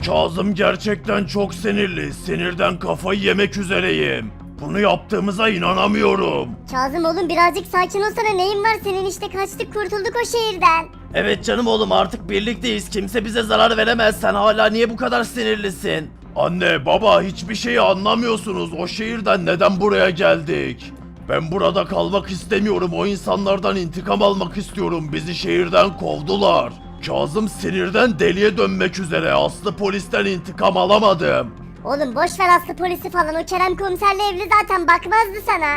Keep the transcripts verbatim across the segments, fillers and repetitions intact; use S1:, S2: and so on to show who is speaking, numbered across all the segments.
S1: Kazım gerçekten çok sinirli. Sinirden kafayı yemek üzereyim. Bunu yaptığımıza inanamıyorum.
S2: Kazım oğlum birazcık sakin olsana, neyin var senin, işte kaçtık kurtulduk o şehirden.
S1: Evet canım oğlum, artık birlikteyiz. Kimse bize zarar veremez. Sen hala niye bu kadar sinirlisin? Anne, baba, hiçbir şeyi anlamıyorsunuz. O şehirden neden buraya geldik? Ben burada kalmak istemiyorum. O insanlardan intikam almak istiyorum. Bizi şehirden kovdular. Kazım sinirden deliye dönmek üzere. Aslı polisten intikam alamadım.
S2: Oğlum boş ver Aslı polisi falan, o Kerem komiserle evli zaten, bakmazdı sana.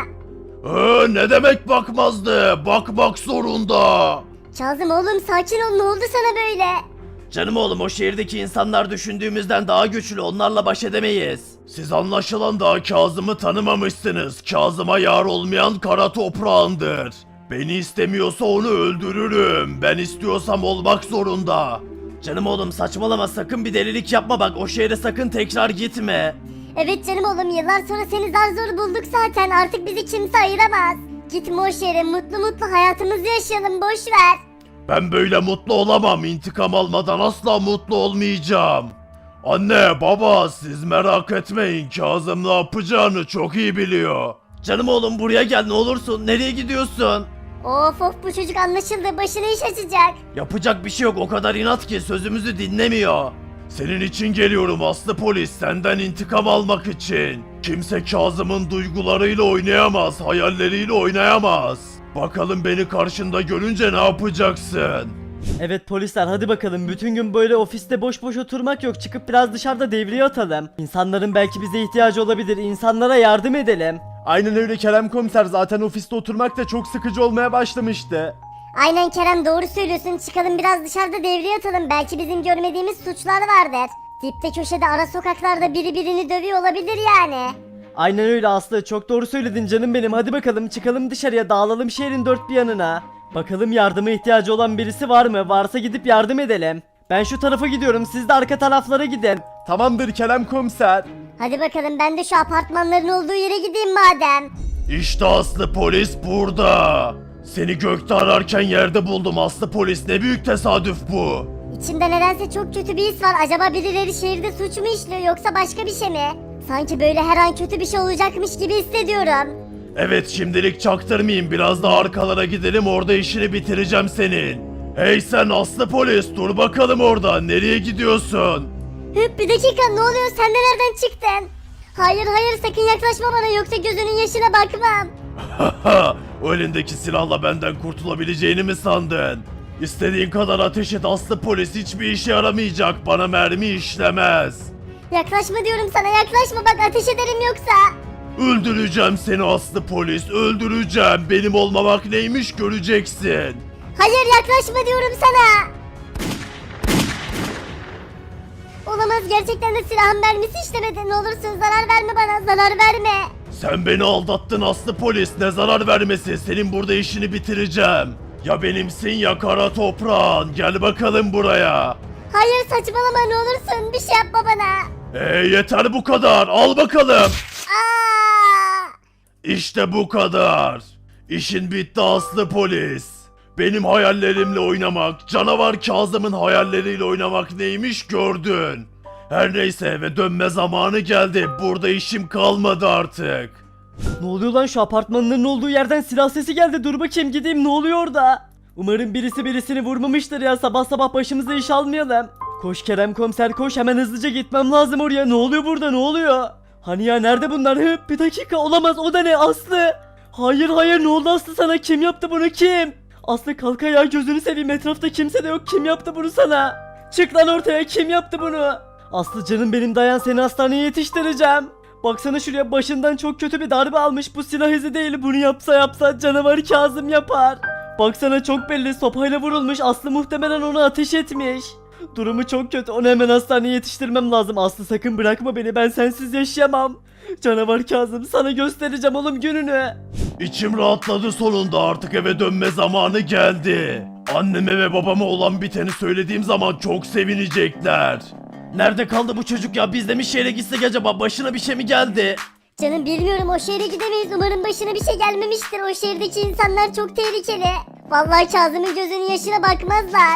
S1: Ee, ne demek bakmazdı? Bakmak zorunda.
S2: Kazım oğlum sakin ol, ne oldu sana böyle?
S1: Canım oğlum, o şehirdeki insanlar düşündüğümüzden daha güçlü, onlarla baş edemeyiz. Siz anlaşılan daha Kazım'ı tanımamışsınız. Kazım'a yar olmayan kara toprağındır. Beni istemiyorsa onu öldürürüm. Ben istiyorsam olmak zorunda. Canım oğlum saçmalama, sakın bir delilik yapma, bak o şehre sakın tekrar gitme.
S2: Evet canım oğlum, yıllar sonra seni zar zor bulduk zaten, artık bizi kimse ayıramaz. Gitme o şehre, mutlu mutlu hayatımızı yaşayalım, boş ver.
S1: Ben böyle mutlu olamam. İntikam almadan asla mutlu olmayacağım. Anne, baba, siz merak etmeyin. Kazım ne yapacağını çok iyi biliyor. Canım oğlum buraya gel ne olursun. Nereye gidiyorsun?
S2: Of of, bu çocuk anlaşıldı, başına iş açacak.
S1: Yapacak bir şey yok, o kadar inat ki sözümüzü dinlemiyor. Senin için geliyorum Aslı polis, senden intikam almak için. Kimse Kazım'ın duygularıyla oynayamaz, hayalleriyle oynayamaz. Bakalım beni karşında görünce ne yapacaksın?
S3: Evet polisler, hadi bakalım, bütün gün böyle ofiste boş boş oturmak yok, çıkıp biraz dışarıda devriye atalım. İnsanların belki bize ihtiyacı olabilir, insanlara yardım edelim.
S4: Aynen öyle Kerem komiser, zaten ofiste oturmak da çok sıkıcı olmaya başlamıştı.
S2: Aynen Kerem, doğru söylüyorsun, çıkalım biraz dışarıda devriye atalım, belki bizim görmediğimiz suçlar vardır. Dipte köşede ara sokaklarda biri birini dövüyor olabilir yani.
S3: Aynen öyle Aslı, çok doğru söyledin canım benim, hadi bakalım çıkalım dışarıya, dağılalım şehrin dört bir yanına. Bakalım yardıma ihtiyacı olan birisi var mı? Varsa gidip yardım edelim. Ben şu tarafa gidiyorum, siz de arka taraflara gidin.
S4: Tamamdır Kerem komiser.
S2: Hadi bakalım, ben de şu apartmanların olduğu yere gideyim madem.
S1: İşte Aslı polis burada. Seni gökte ararken yerde buldum Aslı polis, ne büyük tesadüf bu.
S2: İçimde nedense çok kötü bir his var, acaba birileri şehirde suç mu işliyor yoksa başka bir şey mi? Sanki böyle her an kötü bir şey olacakmış gibi hissediyorum.
S1: Evet, şimdilik çaktırmayayım, biraz daha arkalara gidelim, orada işini bitireceğim senin. Hey sen Aslı polis, dur bakalım orada, nereye gidiyorsun?
S2: Hıp, bir dakika, ne oluyor, sen de nereden çıktın? Hayır hayır, sakın yaklaşma bana, yoksa gözünün yaşına bakmam.
S1: Haha, o elindeki silahla benden kurtulabileceğini mi sandın? İstediğin kadar ateş et Aslı polis, hiçbir işe yaramayacak, bana mermi işlemez.
S2: Yaklaşma diyorum sana, yaklaşma, bak ateş ederim yoksa.
S1: Öldüreceğim seni Aslı polis, öldüreceğim, benim olmamak neymiş göreceksin.
S2: Hayır, yaklaşma diyorum sana. Olamaz, gerçekten de silahın mermisi işlemedi, ne olursun zarar verme bana, zarar verme.
S1: Sen beni aldattın Aslı polis, ne zarar vermesi, senin burada işini bitireceğim. Ya benimsin ya kara toprağın, gel bakalım buraya.
S2: Hayır saçmalama, ne olursun bir şey yapma bana.
S1: Ee, yeter bu kadar, al bakalım.
S2: Aa!
S1: İşte bu kadar. İşin bitti Aslı polis. Benim hayallerimle oynamak, canavar Kazım'ın hayalleriyle oynamak neymiş gördün. Her neyse, eve dönme zamanı geldi, burada işim kalmadı artık.
S3: Ne oluyor lan, şu apartmanların olduğu yerden silah sesi geldi, dur bakayım gideyim, ne oluyor orada? Umarım birisi birisini vurmamıştır ya, sabah sabah başımıza iş almayalım. Koş Kerem komiser koş, hemen hızlıca gitmem lazım oraya, ne oluyor burada, ne oluyor? Hani ya, nerede bunlar? Hıp, bir dakika, olamaz, o da ne Aslı? Hayır hayır, ne oldu Aslı sana, kim yaptı bunu, kim? Aslı kalk ayağa, gözünü seveyim, etrafta kimse de yok, kim yaptı bunu sana? Çık lan ortaya, kim yaptı bunu? Aslı canım benim, dayan, seni hastaneye yetiştireceğim. Baksana şuraya, başından çok kötü bir darbe almış, bu silah izi değil, bunu yapsa yapsa canavar Kazım yapar. Baksana çok belli, sopayla vurulmuş, Aslı muhtemelen onu ateş etmiş. Durumu çok kötü, onu hemen hastaneye yetiştirmem lazım. Aslı sakın bırakma beni, ben sensiz yaşayamam. Canavar Kazım, sana göstereceğim oğlum gününü.
S1: İçim rahatladı sonunda, artık eve dönme zamanı geldi. Anneme ve babama olan biteni söylediğim zaman çok sevinecekler. Nerede kaldı bu çocuk ya, biz de mi şehre gitsek acaba, başına bir şey mi geldi?
S2: Canım bilmiyorum, o şehre gidemeyiz, umarım başına bir şey gelmemiştir, o şehirdeki insanlar çok tehlikeli. Vallahi Kazım'ın gözünün yaşına bakmazlar.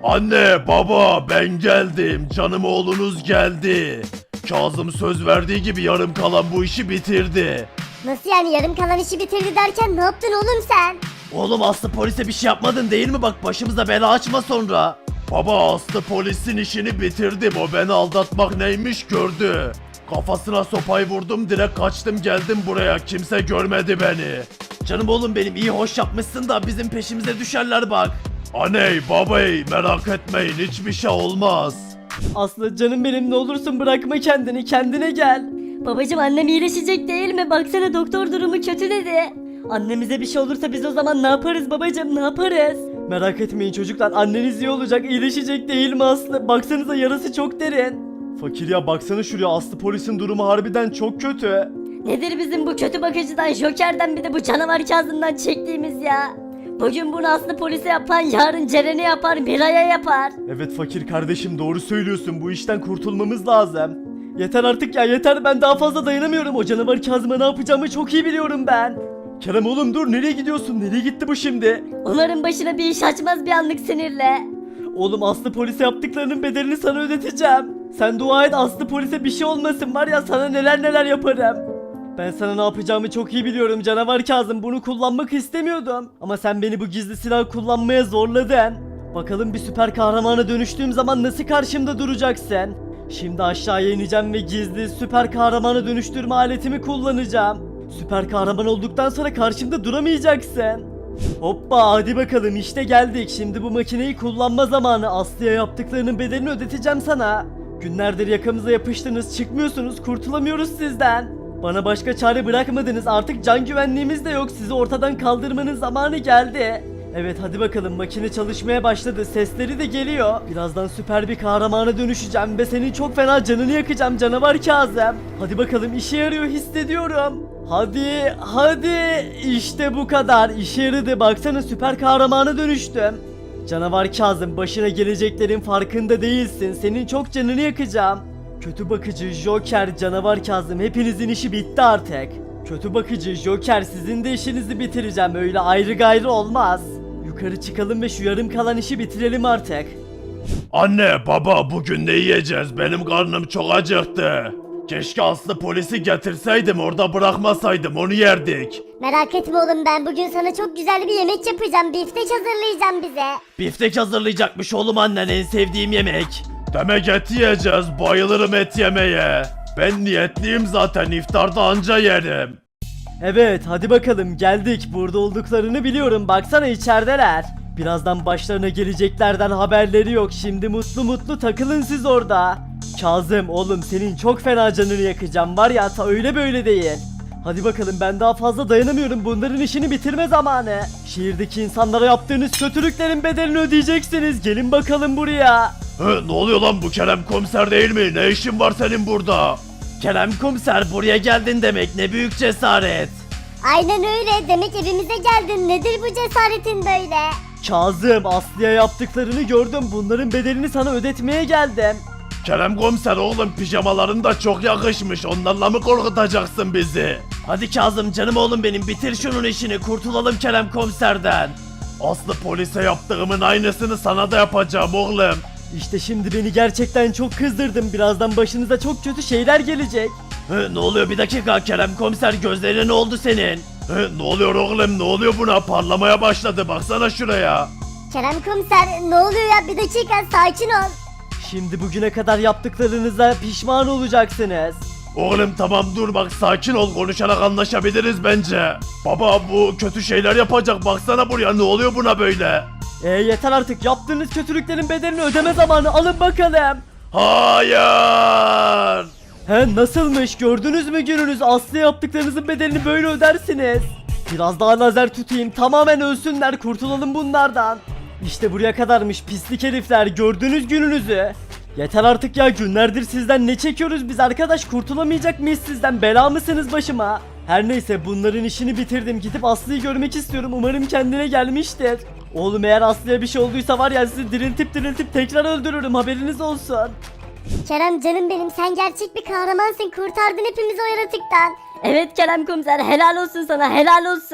S1: Anne, baba, ben geldim. Canım oğlunuz geldi. Kazım söz verdiği gibi yarım kalan bu işi bitirdi.
S2: Nasıl yani yarım kalan işi bitirdi derken ne yaptın oğlum sen?
S1: Oğlum Aslı polise bir şey yapmadın değil mi? Bak başımıza bela açma sonra. Baba Aslı polisin işini bitirdim. O beni aldatmak neymiş gördü. Kafasına sopayı vurdum, direkt kaçtım geldim buraya. Kimse görmedi beni. Canım oğlum benim, iyi hoş yapmışsın da bizim peşimize düşerler bak. Aney babay merak etmeyin, hiçbir şey olmaz.
S3: Aslı canım benim, ne olursun bırakma kendini, kendine gel.
S5: Babacım annem iyileşecek değil mi? Baksana doktor durumu kötü dedi.
S3: Annemize bir şey olursa biz o zaman ne yaparız babacım, ne yaparız? Merak etmeyin çocuklar, anneniz iyi olacak, iyileşecek değil mi Aslı? Baksanıza yarası çok derin.
S4: Fakir ya, baksana şuraya, Aslı polisin durumu harbiden çok kötü.
S5: Nedir bizim bu kötü bakıcıdan, Joker'den, bir de bu canavar Kazım'dan çektiğimiz ya? Bugün bunu Aslı polise yapan yarın Ceren'e yapar, Miray'a yapar.
S4: Evet fakir kardeşim, doğru söylüyorsun, bu işten kurtulmamız lazım. Yeter artık ya, yeter, ben daha fazla dayanamıyorum. O canavar Kazım'a ne yapacağımı çok iyi biliyorum ben. Kerem oğlum dur, nereye gidiyorsun, nereye gitti bu şimdi?
S5: Onların başına bir iş açmaz bir anlık sinirle.
S3: Oğlum Aslı polise yaptıklarının bedelini sana ödeteceğim. Sen dua et, Aslı polise bir şey olmasın, var ya sana neler neler yaparım. Ben sana ne yapacağımı çok iyi biliyorum canavar Kazım, bunu kullanmak istemiyordum. Ama sen beni bu gizli silah kullanmaya zorladın. Bakalım bir süper kahramana dönüştüğüm zaman nasıl karşımda duracaksın? Şimdi aşağıya ineceğim ve gizli süper kahramana dönüştürme aletimi kullanacağım. Süper kahraman olduktan sonra karşımda duramayacaksın. Hoppa, hadi bakalım işte geldik. Şimdi bu makineyi kullanma zamanı. Aslı'ya yaptıklarının bedelini ödeteceğim sana. Günlerdir yakamıza yapıştınız, çıkmıyorsunuz, kurtulamıyoruz sizden. Bana başka çare bırakmadınız, artık can güvenliğimiz de yok, sizi ortadan kaldırmanın zamanı geldi. Evet hadi bakalım, makine çalışmaya başladı, sesleri de geliyor. Birazdan süper bir kahramana dönüşeceğim ve senin çok fena canını yakacağım canavar Kazım. Hadi bakalım, işe yarıyor hissediyorum. Hadi hadi, işte bu kadar, işe yaradı, baksana süper kahramana dönüştüm. Canavar Kazım, başına geleceklerin farkında değilsin, senin çok canını yakacağım. Kötü bakıcı, Joker, canavar Kazım, hepinizin işi bitti artık. Kötü bakıcı, Joker, sizin de işinizi bitireceğim, öyle ayrı gayrı olmaz. Yukarı çıkalım ve şu yarım kalan işi bitirelim artık.
S1: Anne, baba, bugün ne yiyeceğiz? Benim karnım çok acıktı. Keşke Aslı polisi getirseydim, orada bırakmasaydım, onu yerdik.
S2: Merak etme oğlum, ben bugün sana çok güzel bir yemek yapacağım. Biftek hazırlayacağım bize.
S1: Biftek hazırlayacakmış oğlum annen, en sevdiğim yemek. Demek et yiyeceğiz, bayılırım et yemeye. Ben niyetliyim zaten, iftarda anca yerim.
S3: Evet hadi bakalım, geldik, burada olduklarını biliyorum, baksana içerideler. Birazdan başlarına geleceklerden haberleri yok, şimdi mutlu mutlu takılın siz orada. Kazım oğlum, senin çok fena canını yakacağım, var ya, ta öyle böyle değil. Hadi bakalım, ben daha fazla dayanamıyorum, bunların işini bitirme zamanı. Şehirdeki insanlara yaptığınız kötülüklerin bedelini ödeyeceksiniz, gelin bakalım buraya.
S1: Hı, ne oluyor lan, bu Kerem komiser değil mi? Ne işin var senin burada? Kerem komiser, buraya geldin demek, ne büyük cesaret.
S2: Aynen öyle, demek evimize geldin. Nedir bu cesaretin böyle?
S3: Kazım, Aslı'ya yaptıklarını gördüm, bunların bedelini sana ödetmeye geldim.
S1: Kerem komiser oğlum, pijamaların da çok yakışmış, onlarla mı korkutacaksın bizi? Hadi Kazım canım oğlum benim, bitir şunun işini, kurtulalım Kerem komiserden. Aslı polise yaptığımın aynısını sana da yapacağım oğlum.
S3: İşte şimdi beni gerçekten çok kızdırdın, birazdan başınıza çok kötü şeyler gelecek.
S1: Hı, ne oluyor, bir dakika Kerem komiser, gözlerine ne oldu senin? Hı, ne oluyor oğlum, ne oluyor buna, parlamaya başladı, baksana şuraya.
S2: Kerem komiser, ne oluyor ya, bir dakika sakin ol.
S3: Şimdi bugüne kadar yaptıklarınıza pişman olacaksınız.
S1: Oğlum tamam dur, bak sakin ol, konuşarak anlaşabiliriz bence. Baba bu kötü şeyler yapacak, baksana buraya, ne oluyor buna böyle?
S3: E yeter artık, yaptığınız kötülüklerin bedelini ödeme zamanı, alın bakalım.
S1: Hayır.
S3: He nasılmış, gördünüz mü gününüz, Aslı yaptıklarınızın bedelini böyle ödersiniz. Biraz daha lazer tutayım, tamamen ölsünler, kurtulalım bunlardan. İşte buraya kadarmış pislik herifler, gördünüz gününüzü. Yeter artık ya, günlerdir sizden ne çekiyoruz biz arkadaş, kurtulamayacak mıyız sizden, bela mısınız başıma? Her neyse, bunların işini bitirdim, gidip Aslı'yı görmek istiyorum, umarım kendine gelmiştir. Oğlum eğer Aslı'ya bir şey olduysa var ya, sizi diriltip diriltip tekrar öldürürüm, haberiniz olsun.
S2: Kerem canım benim, sen gerçek bir kahramansın, kurtardın hepimizi o yaratıktan.
S5: Evet Kerem komiser, helal olsun sana, helal olsun.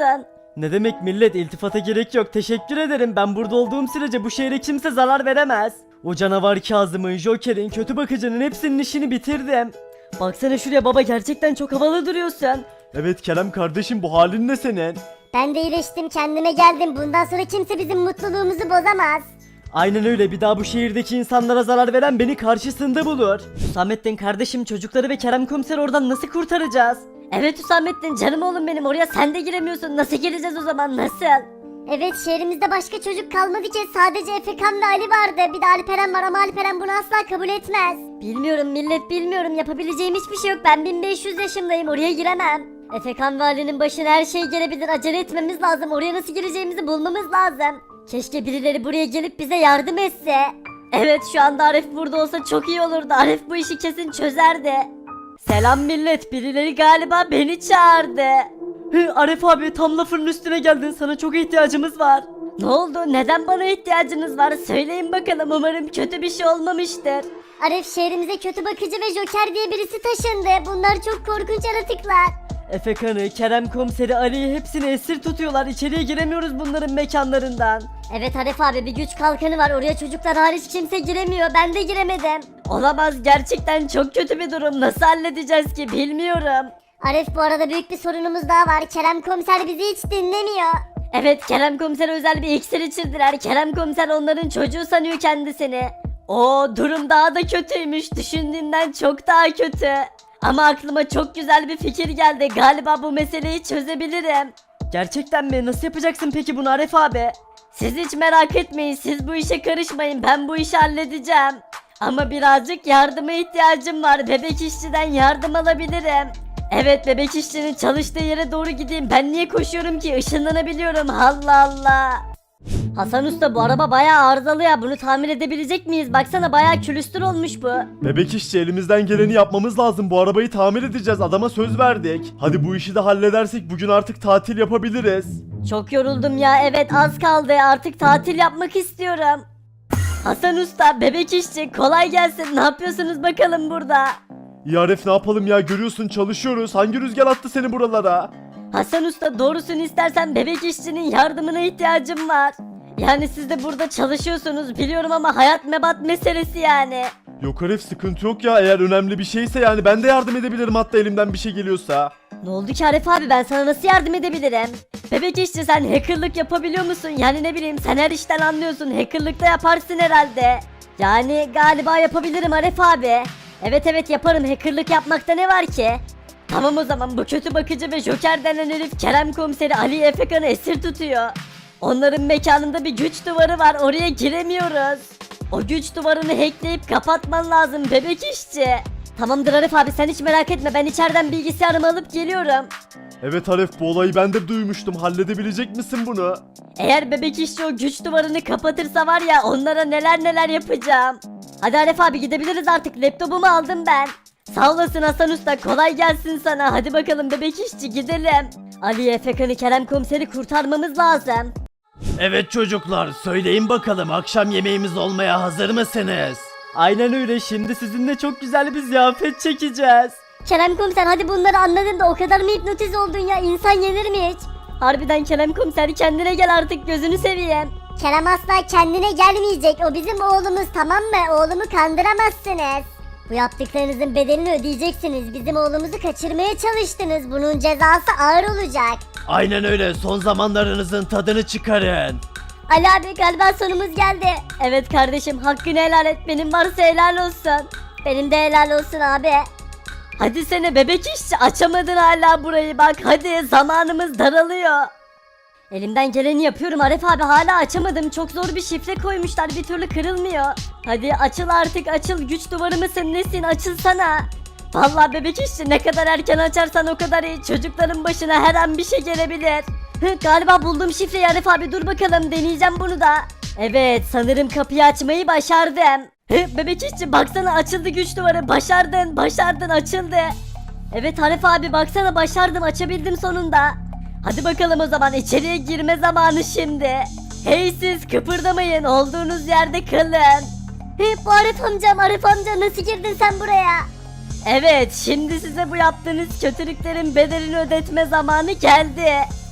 S3: Ne demek millet, iltifata gerek yok, teşekkür ederim. Ben burada olduğum sürece bu şehre kimse zarar veremez. O canavar Kazım'ın, Joker'in, kötü bakıcının hepsinin işini bitirdim. Baksana şuraya baba, gerçekten çok havalı duruyorsun.
S4: Evet Kerem kardeşim, bu halin ne senin?
S2: Ben de iyileştim, kendime geldim. Bundan sonra kimse bizim mutluluğumuzu bozamaz.
S3: Aynen öyle, bir daha bu şehirdeki insanlara zarar veren beni karşısında bulur. Hüsamettin kardeşim, çocukları ve Kerem komiseri oradan nasıl kurtaracağız?
S5: Evet Hüsamettin canım oğlum benim, oraya sen de giremiyorsun. Nasıl gireceğiz o zaman, nasıl?
S2: Evet, şehrimizde başka çocuk kalmadı ki, sadece Efekan ve Ali vardı. Bir de Alperen var ama Alperen bunu asla kabul etmez.
S5: Bilmiyorum millet, bilmiyorum, yapabileceğim hiçbir şey yok. Ben bin beş yüz yaşındayım, oraya giremem. Efekan ve Ali'nin başına her şey gelebilir, acele etmemiz lazım. Oraya nasıl gireceğimizi bulmamız lazım. Keşke birileri buraya gelip bize yardım etse. Evet, şu anda Arif burada olsa çok iyi olurdu. Arif bu işi kesin çözerdi. Selam millet, birileri galiba beni çağırdı.
S3: Hı, Arif abi, tam lafının üstüne geldin, sana çok ihtiyacımız var.
S5: Ne oldu, neden bana ihtiyacınız var, söyleyin bakalım, umarım kötü bir şey olmamıştır.
S2: Arif, şehrimize kötü bakıcı ve Joker diye birisi taşındı. Bunlar çok korkunç yaratıklar.
S3: Efekan'ı, Kerem komiseri, Ali'yi hepsini esir tutuyorlar. İçeriye giremiyoruz bunların mekanlarından.
S2: Evet Arif abi, bir güç kalkanı var. Oraya çocuklar hariç kimse giremiyor. Ben de giremedim.
S5: Olamaz, gerçekten çok kötü bir durum, nasıl halledeceğiz ki bilmiyorum.
S2: Arif, bu arada büyük bir sorunumuz daha var. Kerem komiser bizi hiç dinlemiyor.
S5: Evet, Kerem komisere özel bir iksir içirdiler. Kerem komiser onların çocuğu sanıyor kendisini. O durum daha da kötüymüş, düşündüğümden çok daha kötü. Ama aklıma çok güzel bir fikir geldi, galiba bu meseleyi çözebilirim.
S3: Gerçekten mi? Nasıl yapacaksın peki bunu Arif abi?
S5: Siz hiç merak etmeyin, siz bu işe karışmayın, ben bu işi halledeceğim. Ama birazcık yardıma ihtiyacım var, bebek işçiden yardım alabilirim. Evet, bebek işçinin çalıştığı yere doğru gideyim, ben niye koşuyorum ki, ışınlanabiliyorum, Allah Allah. Hasan Usta, bu araba bayağı arızalı ya, bunu tamir edebilecek miyiz? Baksana bayağı külüstür olmuş bu.
S4: Bebek işçi, elimizden geleni yapmamız lazım. Bu arabayı tamir edeceğiz. Adama söz verdik. Hadi bu işi de halledersek bugün artık tatil yapabiliriz.
S5: Çok yoruldum ya, evet az kaldı, artık tatil yapmak istiyorum. Hasan Usta, bebek işçi, kolay gelsin, ne yapıyorsunuz bakalım burada?
S4: Ya Arif, ne yapalım ya, görüyorsun çalışıyoruz. Hangi rüzgar attı seni buralara?
S5: Hasan Usta, doğrusunu istersen bebek işçinin yardımına ihtiyacım var. Yani siz de burada çalışıyorsunuz biliyorum ama hayat mebat meselesi yani.
S4: Yok Arif, sıkıntı yok ya, eğer önemli bir şeyse yani ben de yardım edebilirim, hatta elimden bir şey geliyorsa.
S5: Ne oldu ki Arif abi, ben sana nasıl yardım edebilirim? Bebek işçi, sen hackerlık yapabiliyor musun? Yani ne bileyim, sen her işten anlıyorsun, hackerlık da yaparsın herhalde. Yani galiba yapabilirim Arif abi. Evet evet yaparım, hackerlık yapmakta ne var ki? Tamam o zaman, bu kötü bakıcı ve Joker denen herif Kerem komiseri Ali Efekan'ı esir tutuyor. Onların mekanında bir güç duvarı var, oraya giremiyoruz. O güç duvarını hackleyip kapatman lazım bebek işçi. Tamamdır Arif abi, sen hiç merak etme, ben içeriden bilgisayarımı alıp geliyorum.
S4: Evet Arif, bu olayı ben de duymuştum. Halledebilecek misin bunu?
S5: Eğer bebek işçi o güç duvarını kapatırsa var ya, onlara neler neler yapacağım. Hadi Arif abi, gidebiliriz artık, laptopumu aldım ben. Sağ olasın Hasan Usta, kolay gelsin sana. Hadi bakalım bebek işçi, gidelim. Ali Efekan'ı, Kerem komiseri kurtarmamız lazım.
S1: Evet çocuklar, söyleyin bakalım, akşam yemeğimiz olmaya hazır mısınız?
S3: Aynen öyle, şimdi sizinle çok güzel bir ziyafet çekeceğiz.
S2: Kerem komiser, hadi bunları anladın da o kadar mı hipnotiz oldun ya? İnsan yenir mi hiç?
S5: Harbiden Kerem komiser, kendine gel artık, gözünü seveyim.
S2: Kerem asla kendine gelmeyecek. O bizim oğlumuz, tamam mı? Oğlumu kandıramazsınız. Bu yaptıklarınızın bedelini ödeyeceksiniz. Bizim oğlumuzu kaçırmaya çalıştınız. Bunun cezası ağır olacak.
S1: Aynen öyle, son zamanlarınızın tadını çıkarın.
S2: Ali abi, galiba sonumuz geldi.
S5: Evet kardeşim, hakkını helal et, benim varsa helal olsun.
S2: Benim de helal olsun abi.
S5: Hadi sene bebek işçi, açamadın hala burayı, bak hadi, zamanımız daralıyor. Elimden geleni yapıyorum Arif abi, hala açamadım, çok zor bir şifre koymuşlar, bir türlü kırılmıyor. Hadi açıl artık, açıl, güç duvarı mısın nesin, açılsana. Vallahi bebek işçi, ne kadar erken açarsan o kadar iyi, çocukların başına her an bir şey gelebilir. Hı, galiba buldum şifreyi Arif abi, dur bakalım, deneyeceğim bunu da. Evet, sanırım kapıyı açmayı başardım. Hı, bebek işçi baksana, açıldı güç duvarı, başardın başardın, açıldı. Evet Arif abi, baksana başardım, açabildim sonunda. Hadi bakalım o zaman, içeriye girme zamanı şimdi. Hey siz, kıpırdamayın, olduğunuz yerde kalın.
S2: Hı, bu Arif amcam, Arif amca nasıl girdin sen buraya?
S5: Evet, şimdi size bu yaptığınız kötülüklerin bedelini ödetme zamanı geldi.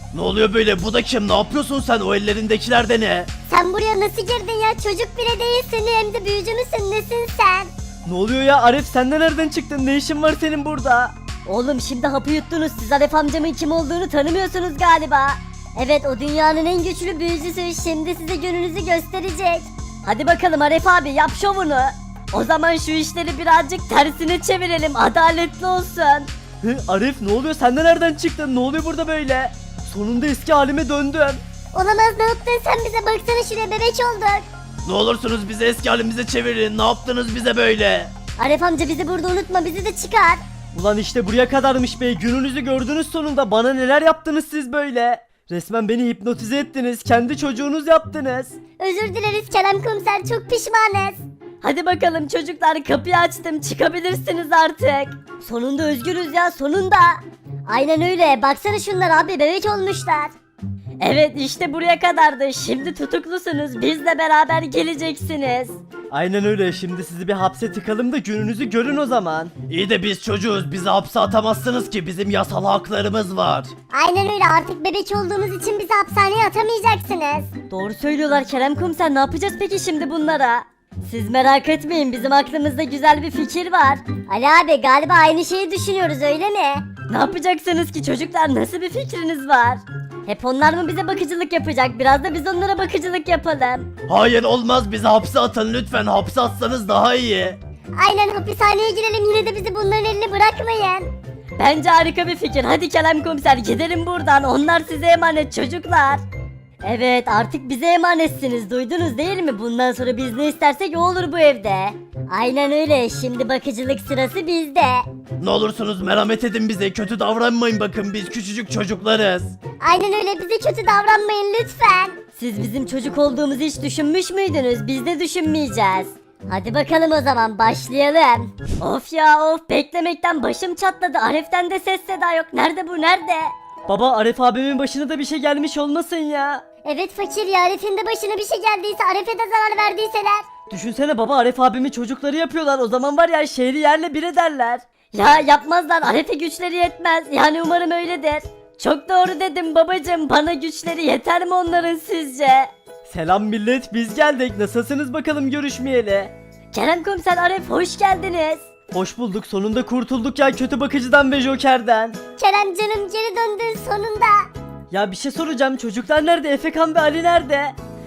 S1: Ne oluyor böyle? Bu da kim? Ne yapıyorsun sen? O ellerindekiler de ne?
S2: Sen buraya nasıl girdin ya? Çocuk bile değilsin hem de büyücü müsün? Nesin sen?
S3: Ne oluyor ya Arif, sen de nereden çıktın? Ne işin var senin burada?
S5: Oğlum şimdi hapı yuttunuz. Siz Aref amcamın kim olduğunu tanımıyorsunuz galiba.
S2: Evet, o dünyanın en güçlü büyücüsü. Şimdi size gününüzü gösterecek.
S5: Hadi bakalım Aref abi yap şovunu. O zaman şu işleri birazcık tersine çevirelim. Adaletli olsun.
S3: Hı, Arif ne oluyor? Sen de nereden çıktın? Ne oluyor burada böyle? Sonunda eski halime döndüm.
S2: Olamaz, ne yaptın sen bize? Baksana şuraya, bebek olduk.
S1: Ne olursunuz bizi eski halimize çevirin. Ne yaptınız bize böyle?
S2: Aref amca bizi burada unutma, bizi de çıkar.
S3: Ulan işte buraya kadarmış be. Gününüzü gördünüz sonunda. Bana neler yaptınız siz böyle? Resmen beni hipnotize ettiniz. Kendi çocuğunuz yaptınız.
S2: Özür dileriz Kerem komiser, çok pişmanız.
S5: Hadi bakalım çocuklar kapıyı açtım çıkabilirsiniz artık.
S2: Sonunda özgürüz ya, sonunda. Aynen öyle, baksana şunlar abi, bebek olmuşlar.
S5: Evet işte buraya kadardı. Şimdi tutuklusunuz. Bizle beraber geleceksiniz.
S3: Aynen öyle. Şimdi sizi bir hapse tıkalım da gününüzü görün o zaman.
S1: İyi de biz çocuğuz. Bizi hapse atamazsınız ki. Bizim yasal haklarımız var.
S2: Aynen öyle, artık bebek olduğumuz için bizi hapishaneye atamayacaksınız.
S5: Doğru söylüyorlar Kerem komiser. Ne yapacağız peki şimdi bunlara? Siz merak etmeyin. Bizim aklımızda güzel bir fikir var.
S2: Ali abi, galiba aynı şeyi düşünüyoruz, öyle mi?
S5: Ne yapacaksınız ki çocuklar? Nasıl bir fikriniz var? Hep onlar mı bize bakıcılık yapacak? Biraz da biz onlara bakıcılık yapalım.
S1: Hayır olmaz. Bizi hapse atın lütfen. Hapse atsanız daha iyi.
S2: Aynen, hapishaneye girelim, yine de bizi bunların eline bırakmayın.
S5: Bence harika bir fikir. Hadi Kerem komiser gidelim buradan. Onlar size emanet çocuklar. Evet artık bize emanetsiniz. Duydunuz değil mi? Bundan sonra biz ne istersek o olur bu evde.
S2: Aynen öyle, şimdi bakıcılık sırası bizde.
S1: Ne olursunuz merhamet edin bize. Kötü davranmayın bakın. Biz küçücük çocuklarız.
S2: Aynen öyle, bize kötü davranmayın lütfen.
S5: Siz bizim çocuk olduğumuzu hiç düşünmüş müydünüz? Biz de düşünmeyeceğiz.
S2: Hadi bakalım o zaman, başlayalım.
S5: Of ya of beklemekten başım çatladı. Aref'ten de ses seda yok. Nerede bu nerede?
S3: Baba Arif abimin başına da bir şey gelmiş olmasın ya.
S2: Evet fakir ya, Arif'in de başına bir şey geldiyse, Arif'e de zarar verdiyseler.
S3: Düşünsene baba, Arif abimin çocukları yapıyorlar. O zaman var ya, şehri yerle bir ederler.
S5: Ya yapmazlar. Aref'e güçleri yetmez. Yani umarım öyledir. Çok doğru dedim babacım. Bana güçleri yeter mi onların sizce?
S3: Selam millet, biz geldik. Nasılsınız bakalım görüşmeyeli?
S5: Kerem komiser, Aref hoş geldiniz.
S3: Hoş bulduk, sonunda kurtulduk ya kötü bakıcıdan ve Joker'den.
S2: Kerem canım, geri döndün sonunda.
S3: Ya bir şey soracağım, çocuklar nerede? Efekan ve Ali nerede?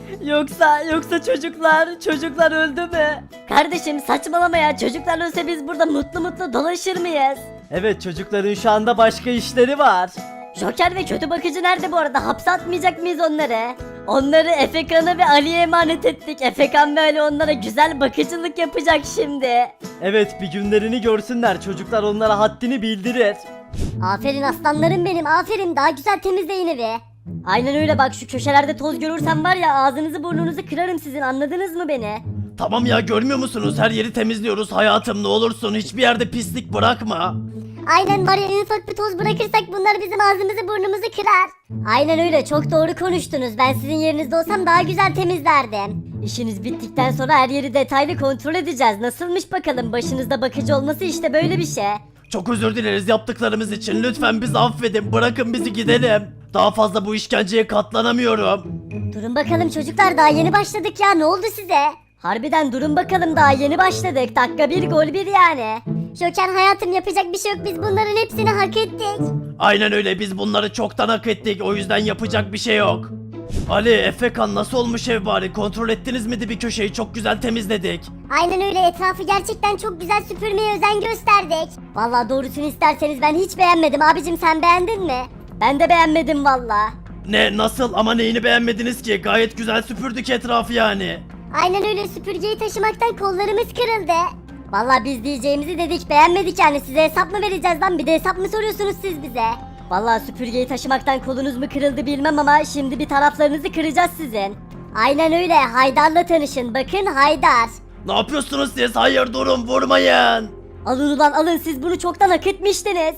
S3: Yoksa yoksa çocuklar çocuklar öldü mü?
S5: Kardeşim saçmalama ya. Çocuklar ölse biz burada mutlu mutlu dolaşır mıyız?
S3: Evet, çocukların şu anda başka işleri var.
S5: Joker ve kötü bakıcı nerede bu arada? Hapse atmayacak mıyız onları? Onları Efekan'a ve Ali'ye emanet ettik. Efekan ve Ali onlara güzel bakıcılık yapacak şimdi.
S3: Evet, bir günlerini görsünler, çocuklar onlara haddini bildirir.
S2: Aferin aslanlarım benim, aferin, daha güzel temizleyin evi.
S5: Aynen öyle, bak şu köşelerde toz görürsem var ya ağzınızı burnunuzu kırarım sizin, anladınız mı beni?
S1: Tamam ya görmüyor musunuz? Her yeri temizliyoruz hayatım. Ne olursun hiçbir yerde pislik bırakma.
S2: Aynen, var ya, en ufak bir toz bırakırsak bunlar bizim ağzımızı burnumuzu kırar. Aynen öyle, çok doğru konuştunuz. Ben sizin yerinizde olsam daha güzel temizlerdim.
S5: İşiniz bittikten sonra her yeri detaylı kontrol edeceğiz. Nasılmış bakalım, başınızda bakıcı olması işte böyle bir şey.
S1: Çok özür dileriz yaptıklarımız için. Lütfen bizi affedin. Bırakın bizi gidelim. Daha fazla bu işkenceye katlanamıyorum.
S2: Durun bakalım çocuklar, daha yeni başladık ya, ne oldu size?
S5: Harbiden durun bakalım, daha yeni başladık. Dakika bir gol bir yani.
S2: Joker hayatım, yapacak bir şey yok, biz bunların hepsini hak ettik.
S1: Aynen öyle biz bunları çoktan hak ettik. O yüzden yapacak bir şey yok. Ali, Efekan nasıl olmuş ev bari? Kontrol ettiniz mi bir köşeyi? Çok güzel temizledik.
S2: Aynen öyle, etrafı gerçekten çok güzel süpürmeye özen gösterdik. Vallahi doğrusunu isterseniz ben hiç beğenmedim abicim, sen beğendin mi?
S5: Ben de beğenmedim valla.
S1: Ne nasıl ama neyini beğenmediniz ki? Gayet güzel süpürdük etrafı yani.
S2: Aynen öyle, süpürgeyi taşımaktan kollarımız kırıldı. Vallahi biz diyeceğimizi dedik, beğenmedik yani, size hesap mı vereceğiz lan, bir de hesap mı soruyorsunuz siz bize?
S5: Vallahi süpürgeyi taşımaktan kolunuz mu kırıldı bilmem ama şimdi bir taraflarınızı kıracağız sizin.
S2: Aynen öyle, Haydar'la tanışın, bakın Haydar.
S1: Ne yapıyorsunuz siz? Hayır durun vurmayın.
S5: Alın ulan alın, siz bunu çoktan hak etmiştiniz.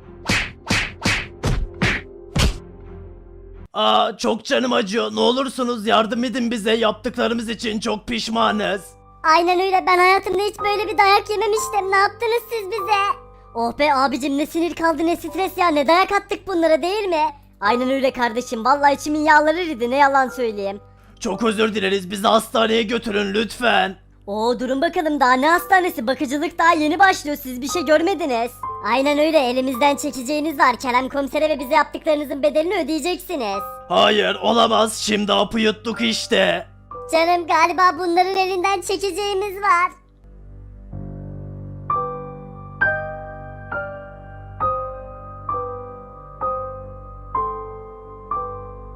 S1: Aa çok canım acıyor. Ne olursunuz yardım edin bize. Yaptıklarımız için çok pişmanız.
S2: Aynen öyle, ben hayatımda hiç böyle bir dayak yememiştim, ne yaptınız siz bize? Oh be abicim, ne sinir kaldı ne stres ya, ne dayak attık bunlara değil mi?
S5: Aynen öyle kardeşim vallahi içimin yağları eridi ne yalan söyleyeyim.
S1: Çok özür dileriz, bizi hastaneye götürün lütfen.
S5: Oo durun bakalım daha ne hastanesi bakıcılık daha yeni başlıyor siz bir şey görmediniz.
S2: Aynen öyle, elimizden çekeceğiniz var. Kerem komisere ve bize yaptıklarınızın bedelini ödeyeceksiniz.
S1: Hayır olamaz, şimdi hapı yuttuk işte.
S2: Canım galiba bunların elinden çekeceğimiz var.